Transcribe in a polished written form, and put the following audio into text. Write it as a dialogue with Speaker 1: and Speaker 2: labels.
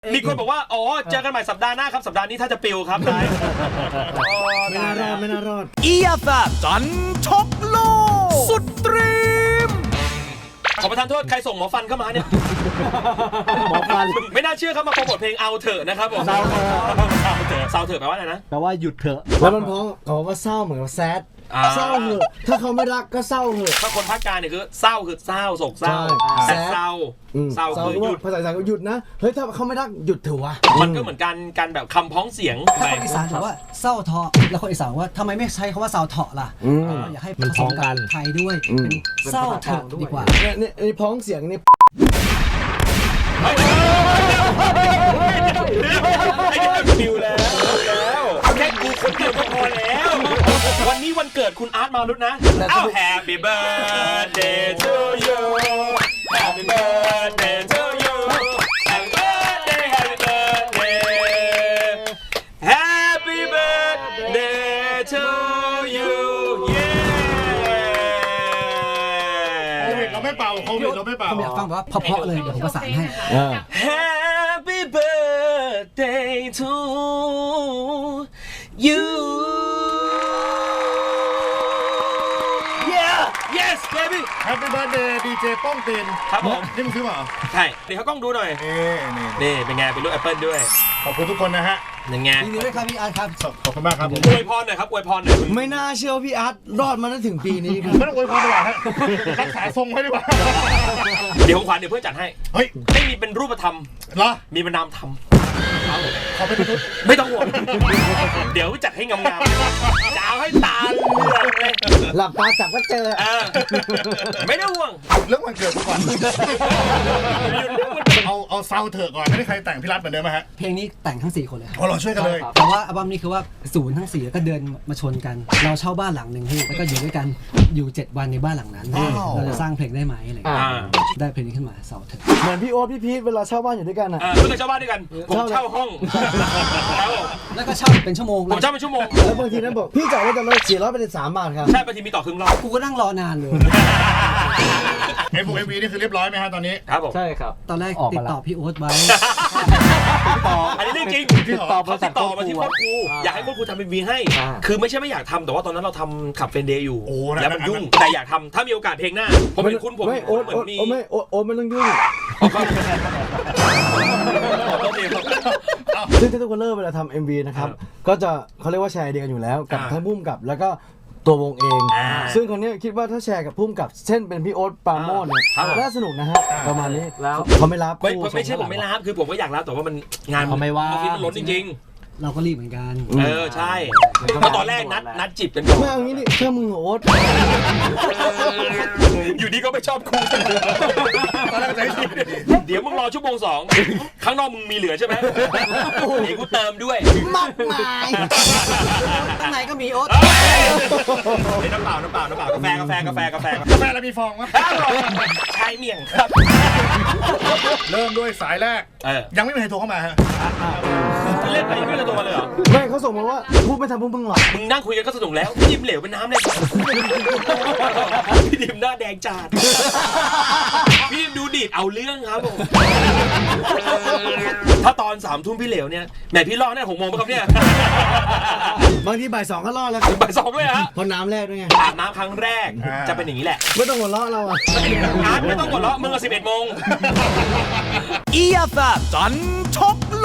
Speaker 1: มีคนบอกว่าอ๋อเจอกันใหม่สัปดาห์หน้าครับสัปดาห์นี้ถ้าจะปิวครับได้
Speaker 2: ไม่น่ารอด
Speaker 3: เอียแซบจันชกโลกสุดตรีม
Speaker 1: ขอประทานโทษใครส่งหมอฟันเข้ามาเนี่ย
Speaker 2: หมอฟัน
Speaker 1: ไม่น่าเชื่อครับมาโปรโมทเพลงเอาเถอะนะครับผม
Speaker 2: เศร้าเถอะ
Speaker 1: เศร้าเถอะแปลว่าอะไรนะ
Speaker 2: แปลว่าหยุดเถอะแล้วมันเพราะเขาว่าเศร้าเหมือนกับแซดเศร้าเหอะถ้าเขาไม่รักก็เศร้าเหอะ
Speaker 1: ถ้าคนภาคกลางเนี่ยคือเศร้าคือเศร้าโศกเศร้า
Speaker 2: ใช่
Speaker 1: แต่เศร้าเศร้าคือหยุด
Speaker 2: ภาษาอีสานก็หยุดนะเฮ้ยถ้าเขาไม่รักหยุดเถอะวะ
Speaker 1: มันก็เหมือนการแบบคำพ้องเสียง
Speaker 4: ถ้าคนอีสานบอกว่าเศร้าเถาะแล้วคนอีสานว่าทำไมไม่ใช้คำว่าเศร้าเถาะล่ะอยากให้ผสมกับไทยด้วยเป็นเศร้าเถอะดีกว่า
Speaker 2: เนี่ยพ้องเสียงนี่
Speaker 1: ปิวแล้วแค่กูคนเดียวก็พอแล้ว วันนี้วันเกิดคุณอาร์ตมารุตนะอ้าว Happy birthday to you Happy birthday to you Happy birthday Happy birthday Happy birthday to you yeah
Speaker 5: เราไม่เป่าโควิดเราไม่เป่า
Speaker 4: ผมอยากฟังแบบว่าเพราะๆเลยเดี๋ยวผมประสานให้
Speaker 1: Happy birthday to you Yeah yes baby
Speaker 5: แฮปปี้เบิร์ดเดย์ดีเจป้องตีน
Speaker 1: ครับผม
Speaker 5: นี่มึงซื้อมาเหรอ
Speaker 1: ใช่เดี๋ยวเขากล้องดูหน่อย
Speaker 5: นี่
Speaker 1: นี่เป็นไงเป็นรูปแอปเปิลด้วย
Speaker 5: ขอบคุณทุกคนนะฮะ
Speaker 1: ยังไง
Speaker 4: ยินดีด้วยครับพี่อาร์ตครับ
Speaker 5: ขอบคุณมากครับ
Speaker 1: อวยพรหน่อยครับอวยพรหน่อย
Speaker 2: ไม่น่าเชื่อว่าพี่อาร์ตรอดมาได้ถึงปีนี้ครับ
Speaker 5: ไม่ต้องอวยพรดีกว่าฮะรักษาทรงไว้ดีกว่า
Speaker 1: เดี๋ยวของขวัญเดี๋ยวเพื่อนจัดให้
Speaker 5: เฮ้ย
Speaker 1: ไม่มีเป็นรูปธรรม
Speaker 5: เหรอ
Speaker 1: มีเป็นนามธรรม
Speaker 5: ขอเป็นมนุษย์
Speaker 1: ไม่ต้องห่วงเดี๋ยวจัดให้งามๆจะเอาให้ตาเหลือกเลย
Speaker 2: หลับตาจับก็เจอ
Speaker 1: ไม่ต้องห่วง
Speaker 5: เรื่องวันเกิดกูก่อนเอาเซาเถอะก่อนไม่ได้ใครแต่งพี่รัฐเหมือนเดิมไหมฮะ
Speaker 4: เพลงนี้แต่งทั้ง4คนเลยครับ
Speaker 5: อ๋อเราช่วยกันเลย
Speaker 4: แต่ว่าอัลบั้มนี้คือว่าศูนย์ทั้ง4แล้วก็เดินมาชนกัน เราเช่าบ้านหลังหนึ่งพี่แล้วก็อยู่ด้วยกันอยู่7 วันในบ้านหลังนั้น
Speaker 5: ว้าว
Speaker 4: เราจะสร้างเพลงได้ไหมอะไรอย่างเงี้ยได้เพลงนี้ขึ้นมาเศร้าเถอะ
Speaker 2: เหมือนพี่โอ๊ตพี่พีทเวลาเช่าบ้านอยู่ด้วยกันอ่ะ
Speaker 1: เพื่อนเช่าบ้านด้วยกันผมเช่าห้องครับผม
Speaker 4: แล้วก็เช่าเป็นชั่วโมง
Speaker 1: ผมเช่าเป็นชั่วโมง
Speaker 2: แล้วบางทีนั้นบอกพี่จ่ายว่าจะลด400เป็น3 บาทครับ
Speaker 1: ใช่บางทีมีต่อครึ่งรอบ
Speaker 4: กูก็นั่งรอนานเลย
Speaker 5: เอ็มวีนี่คือเรียบร้อยไหมฮะตอนนี้
Speaker 1: ครับผม
Speaker 2: ใช่ครับ
Speaker 4: ตอนแรกติดต่อพี่โอ๊ตไว้
Speaker 1: อันนี้เรื่องจริง
Speaker 5: จริงเหรอ
Speaker 1: เขาติดต่อมาที่โค้ชครูอยากให้โค้ชครูทำเป็นวีให้ คือไม่ใช่ไม่อยากทำแต่ว่าตอนนั้นเราทำขับเฟนเดย์อยู่
Speaker 5: โอ้
Speaker 1: แล้วมันยุ่งแต่อยากทำถ้ามีโอกาสเพลงหน้าผมเป็นคุณผม
Speaker 2: ไม่โอ๊ต
Speaker 1: เหมือนมี
Speaker 2: ไม่โอ๊ตไม่ต้องยุ่ง ซึ่งทุกคนเลิกเวลาทำ MV นะครับ ก็จะเขาเรียกว่าแชร์ไอเดียกันอยู่แล้วกับทั้งพุ่มกับแล้วก็ตัววงเอง ซึ่งคนนี้คิดว่าถ้าแชร์กับพุ่มกับเช่นเป็นพี่โอ๊ตปราโมชเนี่ยน่าสนุกนะฮะประมาณนี้แล้วเขาไม่รับ
Speaker 1: ไม่ใช่ผมไม่รับคือผมก็อยากรับแต่ว่ามันงาน
Speaker 2: เขาไม่ว่า
Speaker 1: ออฟฟิศมันล้นจริง
Speaker 4: เราก็รีบเหมือนกัน
Speaker 1: ๆใช่เพราะตอนแรกนัดจีบกันก่อน
Speaker 2: ไม่เอางี้ดิเชื่อมึงเหรอโอ๊ต
Speaker 1: อยู่ดีก็ไม่ชอบครู
Speaker 5: ตอนแรกจะให้ดี
Speaker 1: เดี๋ยวมึงรอชั่วโมง 2ข้างนอกมึงมีเหลือใช่ไหมเดี๋ยวกูเติมด้วย
Speaker 2: มากมาย
Speaker 4: ข้างในก็มีโอ๊ต
Speaker 1: น้ำเปล่ากาแฟ
Speaker 5: กาแฟแล้วมีฟองมั้ย
Speaker 1: ชายเมี่ยงครับ
Speaker 5: เริ่มด้วยสายแรก
Speaker 1: เออ
Speaker 5: ยังไม่มีใครโทรเข้ามาฮะ
Speaker 1: เล่นไปไม่กระตัวมาเลยเหรอ
Speaker 2: ไม่เขาส่งมาว่าพูดไม่ทำพวกมึงหรอก
Speaker 1: มึงนั่งคุยกันก็สนุกแล้วพี่ดิมเหลวเป็นน้ำเลยพี่ดิมหน้าแดงจัดพี่ดิมดูดีดเอาเรื่องครับผมถ้าตอน3 ทุ่มพี่เหลวเนี่ยแหมพี่รอดเนี่ย6 โมงไหมครับเนี่ย
Speaker 2: บางทีบ่าย 2ก็รอดแล้ว
Speaker 1: บ่าย 2เลยฮะ
Speaker 2: เพราะน้ำแรกด้วยไง
Speaker 1: อาบน้ำครั้งแรกจะเป็นอย่างนี้แหละ
Speaker 2: ไม่ต้องหัวเราะเราอ่ะ
Speaker 1: อาร์ตไม่ต้องหัวเราะมึงอะ11 โมง
Speaker 3: เอียแซบจันชกโล